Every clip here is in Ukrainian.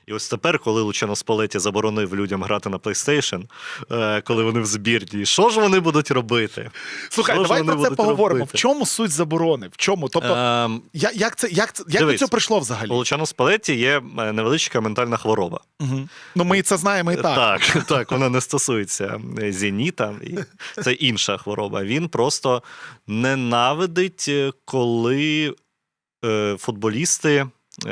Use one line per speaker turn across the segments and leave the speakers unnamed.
І ось тепер, коли Лучано Спалетті заборонив людям грати на PlayStation, коли вони в збірні, що ж вони будуть робити?
Слухай, давай про це поговоримо. В чому суть заборони? В чому? Тобто, як до цього прийшло взагалі?
У Лучано Спалетті є невеличка ментальна хвороба.
Угу. Ну, ми це знаємо і так.
Так, вона не стосується «Зеніта», це інша хвороба. Він просто ненавидить, коли футболісти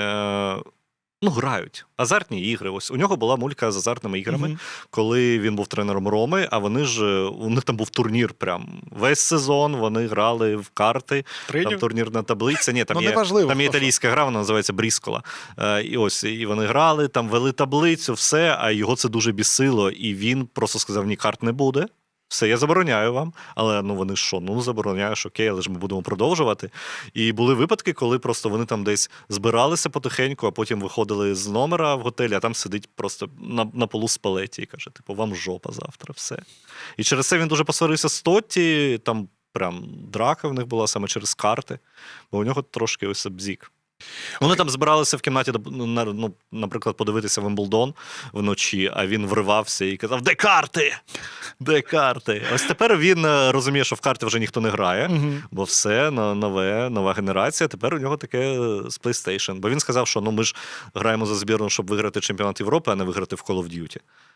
грають. Азартні ігри. Ось у нього була мулька з азартними іграми, коли він був тренером Роми, а вони ж, у них там був турнір прям. Весь сезон вони грали в карти, там турнірна таблиця. Ні, там є італійська гра, вона називається Бріскола. І вони грали, там вели таблицю, все, а його це дуже бісило, і він просто сказав, ні, карт не буде. Все, я забороняю вам. Але вони що? Забороняєш, окей, але ж ми будемо продовжувати. І були випадки, коли просто вони там десь збиралися потихеньку, а потім виходили з номера в готелі, а там сидить просто на полу Спалетті і каже, вам жопа завтра, все. І через це він дуже посварився з Тотті, там прям драка в них була саме через карти, бо у нього трошки ось бзік. Вони там збиралися в кімнаті, наприклад, подивитися Вимблдон вночі, а він вривався і казав, де карти? Де карти? Ось тепер він розуміє, що в карти вже ніхто не грає, бо все, нова генерація, тепер у нього таке з PlayStation. Бо він сказав, що ми ж граємо за збірну, щоб виграти чемпіонат Європи, а не виграти в Call of Duty.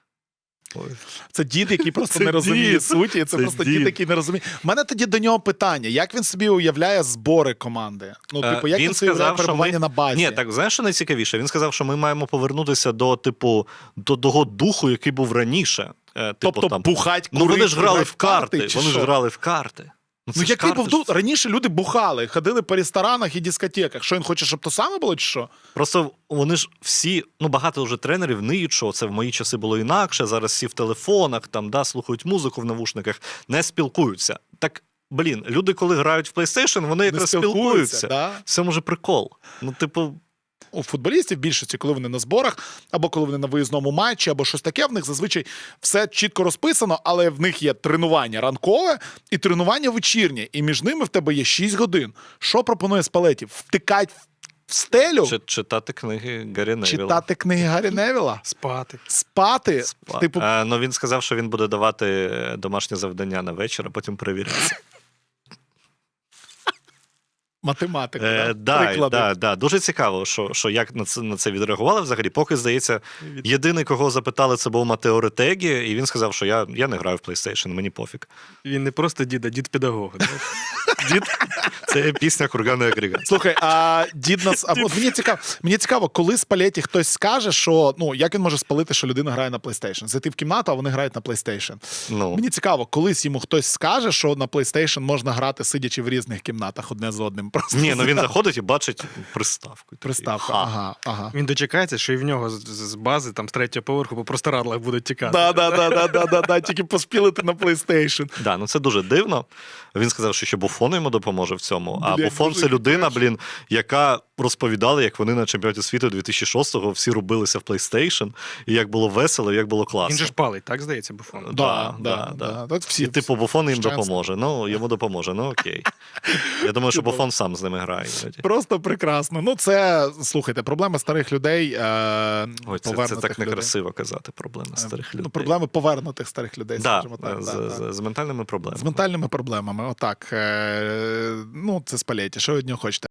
Це дід, який просто не розуміє суті, це просто дід, який не розуміє. У мене тоді до нього питання, як він собі уявляє збори команди? Як він собі уявляє перебування на базі?
Ні, так, знаєш, що найцікавіше? Він сказав, що ми маємо повернутися до того духу, який був раніше.
Тобто бухать, курить,
вони ж грали в карти, вони ж грали в карти.
Який був тут? Раніше люди бухали, ходили по ресторанах і дискотеках. Що він хоче, щоб то саме було, чи що?
Просто вони ж всі, багато вже тренерів ниють, що це в мої часи було інакше, зараз всі в телефонах, слухають музику в навушниках, не спілкуються. Так, люди, коли грають в PlayStation, вони якраз спілкуються.
Да?
Це, може, прикол.
У футболістів більшості, коли вони на зборах, або коли вони на виїзному матчі, або щось таке, в них зазвичай все чітко розписано, але в них є тренування ранкове і тренування вечірнє, і між ними в тебе є 6 годин. Що пропонує Спалетті? Втикать в стелю?
Читати книги Гаррі Невіла.
Читати книги Гаррі Невіла? Спати?
Він сказав, що він буде давати домашнє завдання на вечір, а потім перевіряти.
Математика,
приклади. Дуже цікаво, що як на це відреагували взагалі. Поки, здається, єдиний, кого запитали, це був Матео Ретегі, і він сказав, що я не граю в PlayStation, мені пофіг.
Він не просто дід, а дід-педагог.
Дід – це пісня «Курганний агрегат».
Слухай, а дід нас... Мені цікаво, коли Спалетті хтось скаже, що, як він може спалити, що людина грає на PlayStation? Зайти в кімнату, а вони грають на PlayStation. Мені цікаво, колись йому хтось скаже, що на PlayStation можна грати, сидячи в різних кімнатах одне з одним.
Ні, він заходить і бачить приставку.
Приставку, ага.
Він дочекається, що і в нього з бази, там, з 3-го поверху по простирадлах будуть тікати.
Да, тільки поспілити на PlayStation.
Це дуже дивно. Він сказав, що ще Буфон йому допоможе в цьому. А Буфон – це людина, яка розповідала, як вони на чемпіонаті світу 2006-го всі рубилися в PlayStation, і як було весело, і як було класно.
Він же ж палить, так, здається, Буфон?
Да.
І Буфон їм допоможе. Йому допоможе, окей. Я думаю, що Буфон сам з ними грає.
Просто прекрасно. Це, слухайте, проблема старих людей.
Це так некрасиво казати, проблема старих людей.
Проблеми повернутих старих людей, скажімо так.
З ментальними проблемами.
З ментальними проблемами, отак. Це Спалетті. Що ви від нього хочете?